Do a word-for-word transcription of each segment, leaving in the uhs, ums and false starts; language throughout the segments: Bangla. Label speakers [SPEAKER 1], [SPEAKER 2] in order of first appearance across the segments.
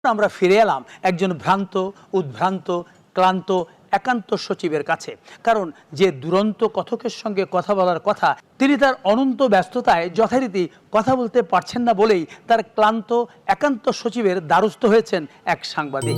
[SPEAKER 1] আমরা ফিরে এলাম একজন ভ্রান্ত, উদ্ভ্রান্ত, ক্লান্ত একান্ত সচিবের কাছে। কারণ যে দুরন্ত কথকের সঙ্গে কথা বলার কথা, তিনি তার অনন্ত ব্যস্ততায় যথারীতি কথা বলতে পারছেন না বলেই তার ক্লান্ত একান্ত সচিবের দ্বারস্থ হয়েছেন এক সাংবাদিক।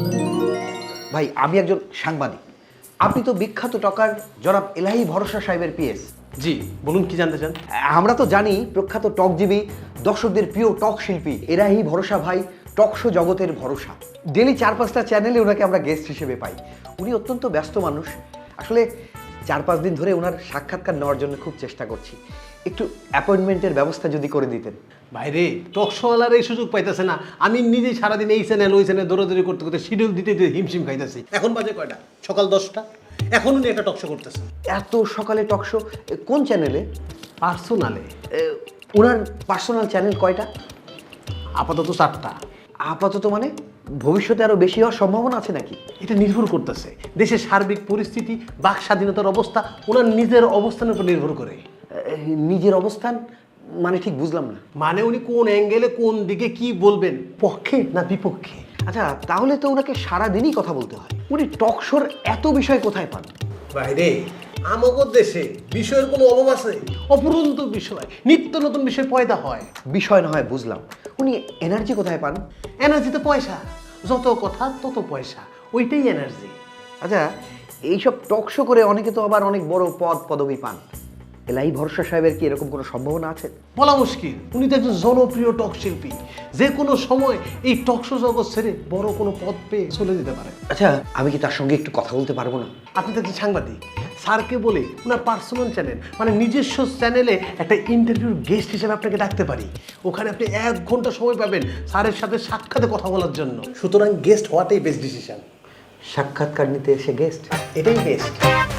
[SPEAKER 2] ভাই, আমি একজন সাংবাদিক। আপনি তো বিখ্যাত টকার জনাব এলাহি ভরসা সাহেবের পিএস।
[SPEAKER 3] জি বলুন, কি জানতে চান?
[SPEAKER 2] আমরা তো জানি প্রখ্যাত টকজীবী, দর্শকদের প্রিয় টক শিল্পী এলাহি ভরসা ভাই টক শো জগতের ভরসা। ডেলি চার পাঁচটা চ্যানেলে ওনাকে আমরা গেস্ট হিসেবে পাই। উনি অত্যন্ত ব্যস্ত মানুষ। আসলে চার পাঁচ দিন ধরে ওনার সাক্ষাৎকার নেওয়ার জন্য খুব চেষ্টা করছি। একটু অ্যাপয়েন্টমেন্টের ব্যবস্থা যদি করে দিতেন।
[SPEAKER 3] বাইরে টকশোওয়ালার এই সুযোগ পাইতেছে না। আমি নিজেই সারাদিন এই চ্যানেল ওই চ্যানেল দৌড়াদৌড়ি করতে করতে শিডিউল দিতে দিতে হিমশিম খাইতেছি। এখন বাজে কয়টা? সকাল দশটা। এখন উনি একটা টকশো করতেছেন।
[SPEAKER 2] এত সকালে টক শো কোন চ্যানেলে?
[SPEAKER 3] পার্সোনালে।
[SPEAKER 2] ওনার পার্সোনাল চ্যানেল কয়টা?
[SPEAKER 3] আপাতত চারটা।
[SPEAKER 2] আপাতত মানে ভবিষ্যতে আরো বেশি হওয়ার সম্ভাবনা আছে নাকি?
[SPEAKER 3] এটা নির্ভর করতেছে দেশের সার্বিক পরিস্থিতি, বাক স্বাধীনতার অবস্থা, ওনার নিজের অবস্থানের উপর নির্ভর করে।
[SPEAKER 2] নিজের অবস্থান মানে ঠিক বুঝলাম না।
[SPEAKER 3] মানে উনি কোন অ্যাঙ্গেলে কোন দিকে কি বলবেন, পক্ষে না বিপক্ষে।
[SPEAKER 2] আচ্ছা, তাহলে তো ওনাকে সারাদিনই কথা বলতে হয়। উনি টক শোর এত বিষয় কোথায় পান?
[SPEAKER 3] বাইরে আমাদের দেশে বিষয়ের কোনো অভাব আছে? অপরন্ত বিষয়, নিত্য নতুন বিষয় পয়দা হয়।
[SPEAKER 2] বিষয় না হয় বুঝলাম, উনি এনার্জি কোথায় পান?
[SPEAKER 3] এনার্জিতে পয়সা, যত কথা তত পয়সা, ওইটাই এনার্জি।
[SPEAKER 2] আচ্ছা, এইসব টক শো করে অনেকে তো আবার অনেক বড় পদ পদবি পান। এলাই ভরসা সাহেবের কি এরকম কোনো সম্ভাবনা আছে?
[SPEAKER 3] বলা মুশকিল। উনি তো একজন জনপ্রিয় টক শিল্পী, যে কোনো সময় এই টক শো জগৎ ছেড়ে বড় কোনো পদ পেয়ে চলে যেতে পারে।
[SPEAKER 2] আচ্ছা, আমি কি তার সঙ্গে একটু কথা বলতে পারবো না?
[SPEAKER 3] আপনি তো একজন সাংবাদিক, স্যারকে বলে ওনার পার্সোনাল চ্যানেল মানে নিজস্ব চ্যানেলে একটা ইন্টারভিউর গেস্ট হিসেবে আপনাকে ডাকতে পারি। ওখানে আপনি এক ঘন্টা সময় পাবেন স্যারের সাথে সাক্ষাতে কথা বলার জন্য। সুতরাং গেস্ট হওয়াটাই বেস্ট ডিসিশন।
[SPEAKER 2] সাক্ষাৎকার নিতে এসে গেস্ট?
[SPEAKER 3] এটাই বেস্ট।